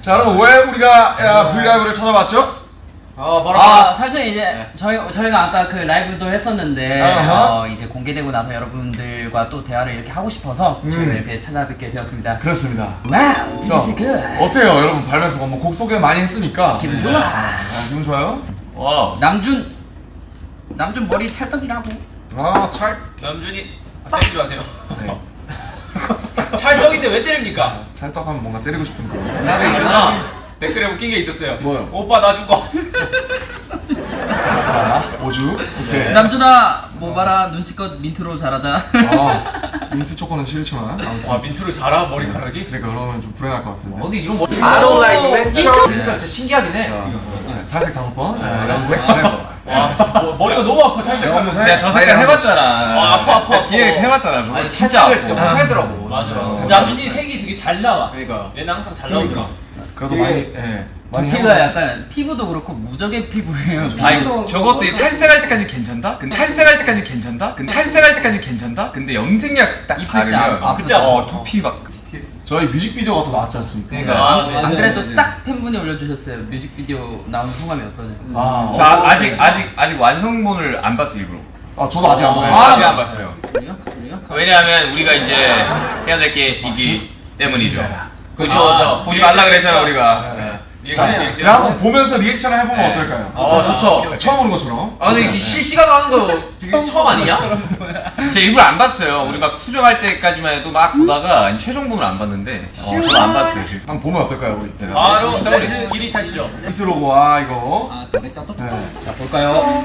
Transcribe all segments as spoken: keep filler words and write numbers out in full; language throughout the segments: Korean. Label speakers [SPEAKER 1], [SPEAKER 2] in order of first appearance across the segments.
[SPEAKER 1] 자 여러분 왜 우리가 야, 브이라이브를 찾아봤죠?
[SPEAKER 2] 어, 바로
[SPEAKER 3] 아 사실 이제
[SPEAKER 2] 네.
[SPEAKER 3] 저희 저희가 아까 그 라이브도 했었는데
[SPEAKER 1] 아하.
[SPEAKER 3] 어, 이제 공개되고 나서 여러분들과 또 대화를 이렇게 하고 싶어서
[SPEAKER 1] 음.
[SPEAKER 3] 저희가 이렇게 찾아뵙게 되었습니다.
[SPEAKER 1] 그렇습니다.
[SPEAKER 3] 와우, this
[SPEAKER 1] 자,
[SPEAKER 3] is good.
[SPEAKER 1] 어때요 여러분 발매서 뭐 곡 소개 많이 했으니까
[SPEAKER 3] 기분 좋아.
[SPEAKER 1] 아, 기분 좋아요?
[SPEAKER 2] 와
[SPEAKER 3] 남준 남준 머리 찰떡이라고.
[SPEAKER 1] 아 찰.
[SPEAKER 4] 남준이 아, 때리지 마세요.
[SPEAKER 1] 네.
[SPEAKER 4] 찰떡인데 왜 때립니까?
[SPEAKER 1] 찰떡하면 뭔가 때리고 싶은 거.
[SPEAKER 4] 나도 일어나. 댓글에 웃긴 게 있었어요.
[SPEAKER 1] 뭐요?
[SPEAKER 4] 오빠 나 죽어.
[SPEAKER 1] 자 오주. 오케이.
[SPEAKER 3] 남준아 뭐 봐라 눈치껏 민트로 잘하자.
[SPEAKER 1] 아 민트 초코는 싫지만 아무튼.
[SPEAKER 4] 와 민트로 자라 머리카락이?
[SPEAKER 1] 그러니까 그러면 좀 불행할 것 같은데.
[SPEAKER 2] 근데 이런 머리
[SPEAKER 3] I don't like
[SPEAKER 2] natural. 그러니까 진짜 신기하긴 해.
[SPEAKER 1] 자, 네, 탈색 다섯 번, 네, 염색 세 번.
[SPEAKER 4] 와 뭐, 머리가 너무 아파 탈색.
[SPEAKER 1] 염색
[SPEAKER 2] 내가 저 색깔 해봤잖아.
[SPEAKER 4] 아, 아파, 아파, 아파.
[SPEAKER 2] 뒤에 해봤잖아. 저거
[SPEAKER 1] 어,
[SPEAKER 2] 진짜 아파.
[SPEAKER 4] 탈색을
[SPEAKER 2] 진짜
[SPEAKER 4] 진짜
[SPEAKER 2] 못하더라고.
[SPEAKER 4] 맞아.
[SPEAKER 2] 진짜.
[SPEAKER 4] 남준이 색이 되게 잘 나와.
[SPEAKER 2] 그러니까.
[SPEAKER 4] 얘는 항상 잘 나오더라.
[SPEAKER 1] 그래도 많이, 예. 많이
[SPEAKER 3] 두피가
[SPEAKER 1] 해보-
[SPEAKER 3] 약간 피부도 그렇고 무적의 피부예요.
[SPEAKER 2] 아니 저것도 탈색할 때까지 괜찮다? 근데 탈색할 때까지 괜찮다? 근데 탈색할 때까지 괜찮다? 근데 염색약 딱
[SPEAKER 3] 입힐 때
[SPEAKER 2] 바르면
[SPEAKER 3] 아- 아프죠?
[SPEAKER 4] 그때
[SPEAKER 2] 어 두피 막
[SPEAKER 1] 저희 뮤직비디오가 또 나왔지 않습니까?
[SPEAKER 2] 그러니까.
[SPEAKER 4] 아,
[SPEAKER 3] 안, 안
[SPEAKER 4] 네,
[SPEAKER 3] 그래도
[SPEAKER 2] 네.
[SPEAKER 3] 딱 팬분이 올려주셨어요. 뮤직비디오 나온 소감이 어떠냐.
[SPEAKER 1] 아,
[SPEAKER 2] 저 아, 아직 아직 아직 완성본을 안 봤어 일부러.
[SPEAKER 1] 아 저도 아직 안 봤어요.
[SPEAKER 2] 아직 안 봤어요. 왜냐하면 우리가 이제 해야 될 게 있기 때문이죠. 그죠?
[SPEAKER 4] 아,
[SPEAKER 2] 보지 말라 그랬잖아 우리가.
[SPEAKER 1] 자,
[SPEAKER 4] 리액션
[SPEAKER 1] 그냥
[SPEAKER 4] 리액션.
[SPEAKER 1] 한번 보면서 리액션을 해보면
[SPEAKER 2] 네.
[SPEAKER 1] 어떨까요?
[SPEAKER 2] 어 좋죠.
[SPEAKER 1] 처음 보는 것처럼.
[SPEAKER 2] 아 근데 이게 실시간으로 하는 거 되게 처음 아니냐? 제가 일부러 안 봤어요. 우리 막 수정할 때까지만 해도 막 보다가 최종본을 안 봤는데 어, 저도 안 봤어요 지금.
[SPEAKER 1] 한번 보면 어떨까요, 우리 때?
[SPEAKER 4] 바로
[SPEAKER 2] 봅시다,
[SPEAKER 4] 렌즈 길이 타시죠.
[SPEAKER 1] 비트로고 아 이거.
[SPEAKER 2] 아 되겠다 또.
[SPEAKER 1] 네.
[SPEAKER 3] 자 볼까요?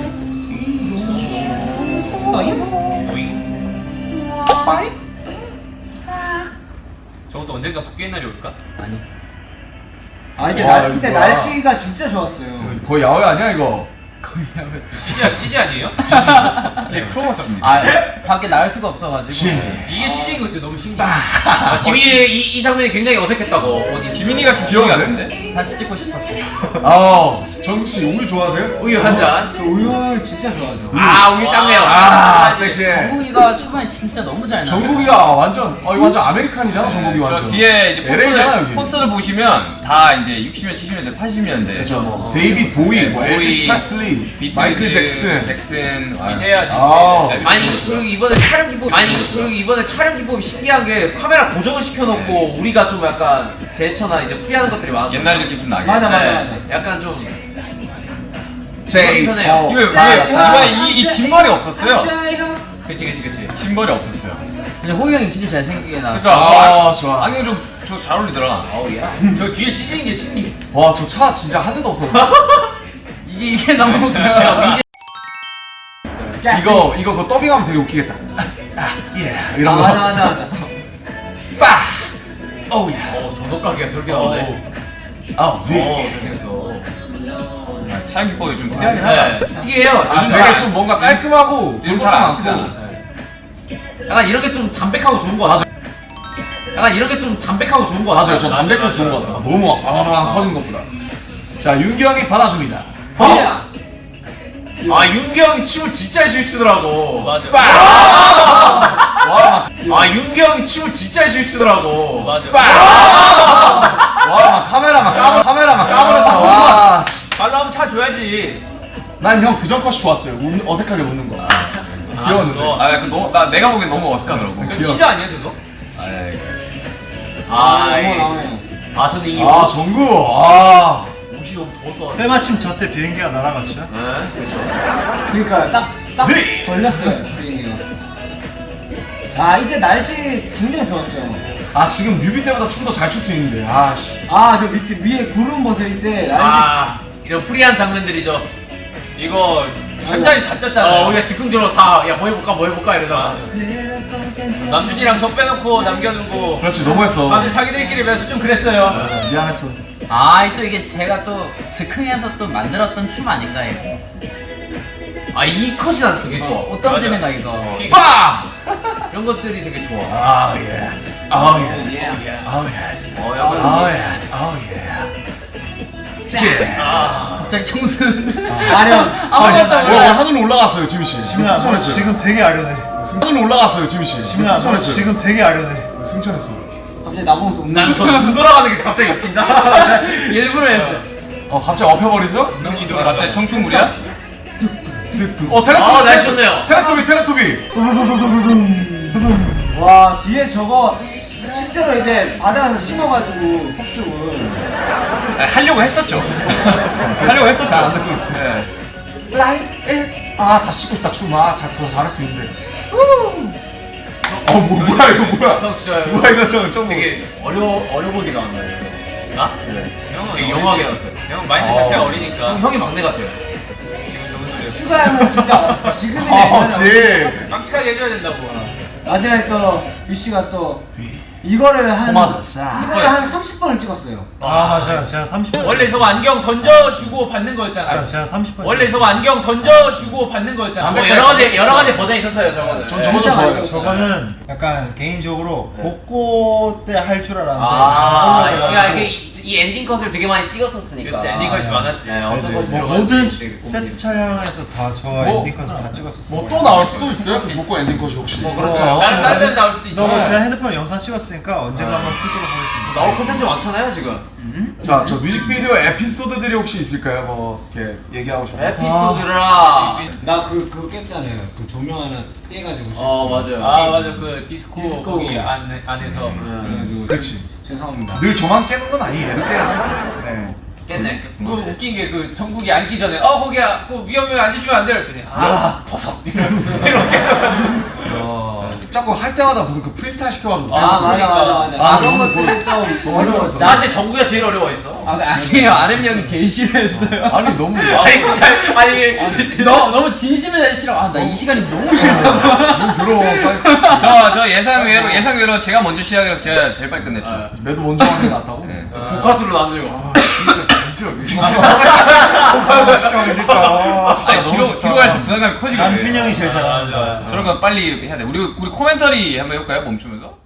[SPEAKER 4] 저것도 언젠가 바뀌는 날이 올까?
[SPEAKER 3] 아니.
[SPEAKER 5] 아 이때,
[SPEAKER 1] 와,
[SPEAKER 5] 날, 이때
[SPEAKER 1] 이거야.
[SPEAKER 5] 날씨가 진짜 좋았어요.
[SPEAKER 1] 거의 야외 아니야 이거?
[SPEAKER 4] 씨지 씨지 아니에요?
[SPEAKER 2] 제 프로모트입니다.
[SPEAKER 3] 아 밖에 나갈 수가 없어가지고.
[SPEAKER 1] 진.
[SPEAKER 4] 이게 씨지인 거지 너무 신기해.
[SPEAKER 2] 아, 지민이 이, 이 장면이 굉장히 어색했다고. 어디 지민이가 좀 기억이 안 나는데?
[SPEAKER 3] 다시 찍고 싶었어.
[SPEAKER 1] 아 정씨 우유 좋아하세요?
[SPEAKER 2] 우유 한 잔.
[SPEAKER 5] 저 우유 진짜 좋아하죠.
[SPEAKER 2] 아 우유 땀내요.
[SPEAKER 1] 아 섹시해.
[SPEAKER 3] 정국이가 초반에 진짜 너무 잘 나.
[SPEAKER 1] 정국이가 완전 어 이거 완전 아메리칸이잖아 정국이
[SPEAKER 2] 저
[SPEAKER 1] 완전.
[SPEAKER 2] 뒤에 이제
[SPEAKER 1] 엘에이잖아,
[SPEAKER 2] 포스터를,
[SPEAKER 1] 여기.
[SPEAKER 2] 포스터를 보시면 다 이제 육십 년대, 칠십 년대, 팔십 년대.
[SPEAKER 1] 그렇죠 뭐 데이빗 보이, 뭐
[SPEAKER 2] 보이,
[SPEAKER 1] 엘비스 프레슬리,
[SPEAKER 2] 비틀즈,
[SPEAKER 1] 마이클 잭슨.
[SPEAKER 2] 잭슨. 아.
[SPEAKER 4] 이제야
[SPEAKER 1] 아우.
[SPEAKER 4] 디스니.
[SPEAKER 2] 아니 그리고 이번에 촬영 기법 아니 그리고 이번에 촬영 기법이 신기한 게 카메라 고정을 시켜놓고 우리가 좀 약간 제스처나 이제 풀이하는 것들이 많아서
[SPEAKER 4] 옛날 느낌 좀 나게.
[SPEAKER 5] 맞아 맞아
[SPEAKER 2] 네,
[SPEAKER 5] 맞아.
[SPEAKER 2] 약간 좀
[SPEAKER 1] 제이
[SPEAKER 2] 선해요.
[SPEAKER 1] 어,
[SPEAKER 2] 이거
[SPEAKER 1] 자,
[SPEAKER 2] 이거
[SPEAKER 1] 자.
[SPEAKER 2] 이번에 이, 이 진머리 없었어요. 그치 그치 그치 진머리 없었어요.
[SPEAKER 3] 근데 호이 형이 진짜 잘생기게 나.
[SPEAKER 2] 그러니까
[SPEAKER 1] 아,
[SPEAKER 2] 아,
[SPEAKER 1] 좋아.
[SPEAKER 2] 안경 좀저 잘 어울리더라. 어우 야.
[SPEAKER 4] 저 뒤에 씨지인 게 신기해.
[SPEAKER 1] 와 저 차 진짜 한 대도 없었어.
[SPEAKER 3] 이게 이게 너무 웃겨요.
[SPEAKER 1] 이거 이거 그 더빙하면 되게 웃기겠다. 아, 예
[SPEAKER 5] 아
[SPEAKER 1] 이런 거.
[SPEAKER 5] 맞아 맞아 맞아.
[SPEAKER 1] 빠.
[SPEAKER 2] 어우 야. 어 도덕가게가 저렇게 나오네.
[SPEAKER 1] 아 위.
[SPEAKER 2] 어 잘생겼어. 촬영 기법이 좀 특이하긴 하다.
[SPEAKER 4] 네.
[SPEAKER 2] 특이해요.
[SPEAKER 1] 아
[SPEAKER 2] 요즘
[SPEAKER 1] 되게
[SPEAKER 2] 잘
[SPEAKER 1] 좀 뭔가 깔끔하고
[SPEAKER 2] 요즘 잘 안
[SPEAKER 1] 쓰
[SPEAKER 2] 쓰잖아. 약간 이렇게 좀 담백하고 좋은 거 같아. 약간 이렇게 좀 담백하고 좋은 거 같아.
[SPEAKER 1] 맞아요. 저 담백해서 좋은 것 같아요. 너무 막 방방 터진 것보다. 자 윤기 형이 받아줍니다.
[SPEAKER 2] 어? 아 윤기 형이 춤을 진짜 열심히 추더라고.
[SPEAKER 4] 맞아.
[SPEAKER 1] 와,
[SPEAKER 2] 아 윤기 형이 춤을 진짜 열심히 추더라고.
[SPEAKER 4] 맞아.
[SPEAKER 1] 와, 막 카메라 막 까버, 카메라 막 까버렸다. 와, 씨.
[SPEAKER 4] 발로 한번 차 줘야지.
[SPEAKER 1] 난 형 그전 컷이 좋았어요. 웃, 어색하게 웃는 거. 귀여웠는데.
[SPEAKER 4] 그거.
[SPEAKER 2] 아, 그 너, 나 내가 보기엔 너무 어색하더라고.
[SPEAKER 4] 이거
[SPEAKER 1] 귀여워.
[SPEAKER 4] 씨지 아니야 저거?
[SPEAKER 2] 아,
[SPEAKER 5] 너무
[SPEAKER 2] 이-
[SPEAKER 5] 나오네.
[SPEAKER 2] 아, 저는 이
[SPEAKER 1] 아 정구. 아.
[SPEAKER 4] 옷이 너무 더워서.
[SPEAKER 6] 때마침 저 때 비행기가 날아갔죠?
[SPEAKER 5] 그러니까 딱딱 걸렸어요 주인이가. 아 이때 날씨 굉장히 좋았죠.
[SPEAKER 1] 아 지금 뮤비 때보다 좀 더 잘 출 수 있는데. 아 씨.
[SPEAKER 5] 아 저 밑에 위에 구름 벗을 때 날씨.
[SPEAKER 2] 아, 이런 프리한 장면들이죠.
[SPEAKER 4] 이거 한 잔이 다 짰잖아.
[SPEAKER 2] 어, 우리가 즉흥적으로 다, 야, 뭐 해볼까, 뭐 해볼까, 이러다가.
[SPEAKER 4] 남준이랑 저 빼놓고 남겨두고.
[SPEAKER 1] 그렇지 너무했어.
[SPEAKER 4] 다들 자기들끼리 매서 좀 그랬어요.
[SPEAKER 1] 미안했어.
[SPEAKER 3] 아, 또 이게 제가 또 즉흥해서 또 만들었던 춤 아닌가 이거.
[SPEAKER 2] 아, 이 컷이 난 되게 좋아.
[SPEAKER 3] 어, 던지는가 이거.
[SPEAKER 1] 빠.
[SPEAKER 2] 이런 것들이 되게 좋아.
[SPEAKER 1] 아 예스. 아 예스. 아 예스.
[SPEAKER 2] 어, 약간.
[SPEAKER 1] 아 예스. 아 예. 제.
[SPEAKER 3] 갑자기 청순.
[SPEAKER 5] 아련.
[SPEAKER 3] 아무것도
[SPEAKER 1] 어,
[SPEAKER 3] 몰라.
[SPEAKER 1] 하늘로 올라갔어요 지민 씨.
[SPEAKER 6] 시민아 너
[SPEAKER 1] 승천했어요.
[SPEAKER 6] 지금 되게 아련해.
[SPEAKER 1] 하늘로 올라갔어요 지민 씨.
[SPEAKER 6] 시민아 너
[SPEAKER 1] 승천했어요.
[SPEAKER 6] 지금 되게 아련해.
[SPEAKER 1] 승천했어.
[SPEAKER 5] 갑자기 나보면서 웃는
[SPEAKER 4] 난
[SPEAKER 5] 거.
[SPEAKER 4] 저 눈 돌아가는 게 갑자기 웃긴다.
[SPEAKER 3] 일부러 했어.
[SPEAKER 1] 어 갑자기 엎혀버리죠?
[SPEAKER 2] 눈이 돌아. 갑자기 청춘물이야?
[SPEAKER 1] 어 테레토비
[SPEAKER 4] 아, 날씨 좋네요.
[SPEAKER 1] 테레토비 테레토비
[SPEAKER 5] 와 뒤에 저거 실제로 이제 바다에서 심어가지고 폭죽을
[SPEAKER 2] 아니, 하려고 했었죠.
[SPEAKER 1] 하려고 했었죠. 잘안 됐어 그렇지. 라이 아다 씻고 싶다 춤아 잘 잘할 수 있는데 어 뭐, 뭐야 이거 뭐야
[SPEAKER 4] 형 진짜
[SPEAKER 1] 뭐야 이거 저 좀
[SPEAKER 4] 되게 어려 어려 보이게 나왔나요? 나? 네. 형은
[SPEAKER 2] 되게
[SPEAKER 4] 영화게 나왔어요. 형 마인드 자체가 어리니까. 형이 막내 같아요. 기분 좋은 소리였어.
[SPEAKER 5] 추가하면 진짜 지금의
[SPEAKER 1] 어 지
[SPEAKER 4] 깜찍하게 해줘야 된다고.
[SPEAKER 5] 나중에 또 유씨가 또 이거를 한
[SPEAKER 1] 포마드 싹.
[SPEAKER 5] 이거를 한 삼십 번을 찍었어요.
[SPEAKER 6] 아 맞아요. 제가 삼십 번.
[SPEAKER 4] 원래 저거 안경 던져주고 받는 거였잖아.
[SPEAKER 6] 제가 삼십 번.
[SPEAKER 4] 원래 저거 안경 던져주고 받는 거였잖아.
[SPEAKER 1] 뭐
[SPEAKER 4] 여러 가지 여러 가지 버전이 있었어요 저거는.
[SPEAKER 1] 전 저거 좀
[SPEAKER 5] 진짜
[SPEAKER 1] 좋아해요.
[SPEAKER 5] 많이
[SPEAKER 6] 저거는 약간 개인적으로 복고 때 할 줄 알았는데
[SPEAKER 7] 아,
[SPEAKER 6] 저걸로
[SPEAKER 7] 그러니까
[SPEAKER 6] 해가지고
[SPEAKER 7] 이, 이 엔딩 컷을 되게 많이 찍었었으니까.
[SPEAKER 4] 그렇지 엔딩까지 많았지.
[SPEAKER 7] 네, 어떤
[SPEAKER 6] 이제
[SPEAKER 7] 것이
[SPEAKER 6] 뭐
[SPEAKER 7] 들어가는지
[SPEAKER 6] 모든
[SPEAKER 7] 되게 고민이
[SPEAKER 6] 세트 촬영에서 다 저
[SPEAKER 1] 뭐,
[SPEAKER 6] 엔딩컷을 다 찍었었어요.
[SPEAKER 1] 뭐 또 나올 수도 있어요? 먹고 엔딩 컷이 혹시 뭐
[SPEAKER 2] 그렇죠.
[SPEAKER 4] 다른 다른 데는 나올 수도 있지.
[SPEAKER 6] 너무 제가 핸드폰에 영상 찍었으니까 언젠가 한번 풀도록 하겠습니다.
[SPEAKER 7] 나올 콘텐츠 많잖아요 지금.
[SPEAKER 1] 자, 저 뮤직비디오 에피소드들이 혹시 있을까요? 뭐 이렇게 얘기하고 싶은 거?
[SPEAKER 7] 에피소드라.
[SPEAKER 5] 나 그 그거 깼잖아요. 그 조명 하나 떼가지고.
[SPEAKER 7] 어 맞아요.
[SPEAKER 4] 아 맞아 그 디스코,
[SPEAKER 5] 디스코.
[SPEAKER 4] 거기 안, 안에서
[SPEAKER 5] 그래가지고
[SPEAKER 1] 그렇지.
[SPEAKER 5] 죄송합니다.
[SPEAKER 1] 늘 저만 깨는 건 아니에요. 이렇게 네.
[SPEAKER 7] 깼네.
[SPEAKER 4] 그 웃긴 게 그 정국이 앉기 전에 어 거기야 그 위험해 앉으시면 안 돼요 그랬더니 아 버섯 이렇게 해서
[SPEAKER 1] 자꾸 할 때마다 무슨 그 프리스타일 시켜가지고
[SPEAKER 5] 아 맞아 맞아 맞아.
[SPEAKER 1] 아,
[SPEAKER 5] 그런
[SPEAKER 1] 너무
[SPEAKER 5] 것들이 좀 어려웠어.
[SPEAKER 7] 사실 정국이가 제일 어려워했어.
[SPEAKER 3] 아 아니에요. 아름 형이 제일 싫어했어요.
[SPEAKER 1] 아니 너무
[SPEAKER 7] 아니 진짜 아니
[SPEAKER 3] 너 너무 진심에 싫어. 아 나 이 시간이 너무 싫다고.
[SPEAKER 1] 너무 괴로워. 사이-
[SPEAKER 2] 저, 저 예상 외로, 예상 외로 제가 먼저 시작해서 제가 제일 빨리 끝냈죠.
[SPEAKER 1] 매도 먼저 하는 게 낫다고?
[SPEAKER 2] 네.
[SPEAKER 7] 복화수로 남들고.
[SPEAKER 2] 아니, 뒤로, 뒤로 갈수록 부담감이 커지거든요.
[SPEAKER 6] 남춘 형이 제일 잘하는 거야.
[SPEAKER 2] 저런 거 빨리 해야 돼. 우리, 우리 코멘터리 한번 해볼까요? 멈추면서?